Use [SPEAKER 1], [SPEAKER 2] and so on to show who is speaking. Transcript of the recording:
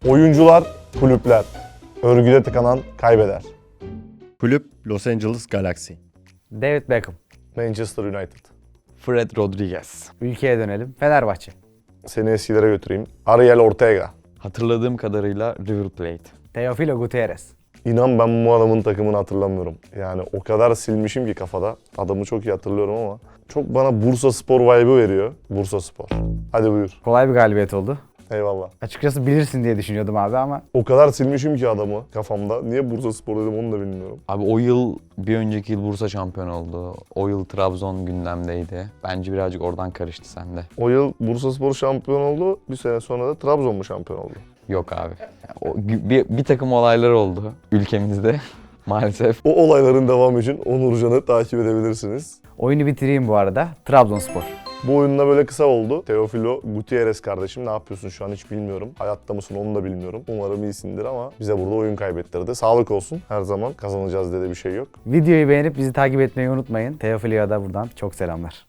[SPEAKER 1] Oyuncular, kulüpler. Örgüde tıkanan kaybeder.
[SPEAKER 2] Kulüp Los Angeles Galaxy.
[SPEAKER 3] David Beckham.
[SPEAKER 1] Manchester United.
[SPEAKER 4] Fred Rodriguez.
[SPEAKER 3] Ülkeye dönelim. Fenerbahçe.
[SPEAKER 1] Seni eskilere götüreyim. Ariel Ortega.
[SPEAKER 4] Hatırladığım kadarıyla River Plate.
[SPEAKER 3] Teofilo Gutierrez.
[SPEAKER 1] İnan ben bu adamın takımını hatırlamıyorum. Yani o kadar silmişim ki kafada. Adamı çok iyi hatırlıyorum ama çok bana Bursaspor vibe'ı veriyor. Bursaspor. Hadi buyur.
[SPEAKER 3] Kolay bir galibiyet oldu.
[SPEAKER 1] Eyvallah.
[SPEAKER 3] Açıkçası bilirsin diye düşünüyordum abi ama
[SPEAKER 1] O kadar silmişim ki adamı kafamda. Niye Bursaspor dedim onu da bilmiyorum.
[SPEAKER 4] Abi o yıl, bir önceki yıl Bursa şampiyon oldu. O yıl Trabzon gündemdeydi. Bence birazcık oradan karıştı sende.
[SPEAKER 1] O yıl Bursaspor şampiyon oldu. Bir sene sonra da Trabzon mu şampiyon oldu?
[SPEAKER 4] Yok abi. Bir takım olaylar oldu ülkemizde maalesef.
[SPEAKER 1] O olayların devamı için Onurcan'ı takip edebilirsiniz.
[SPEAKER 3] oyunu bitireyim bu arada. Trabzonspor.
[SPEAKER 1] Bu oyunda böyle kısa oldu. Teofilo Gutierrez kardeşim ne yapıyorsun şu an hiç bilmiyorum. Hayatta mısın onu da bilmiyorum. Umarım iyisindir ama bize burada oyun kaybettirdi. Sağlık olsun. Her zaman kazanacağız diye de bir şey yok.
[SPEAKER 3] Videoyu beğenip bizi takip etmeyi unutmayın. Teofilo'ya da buradan çok selamlar.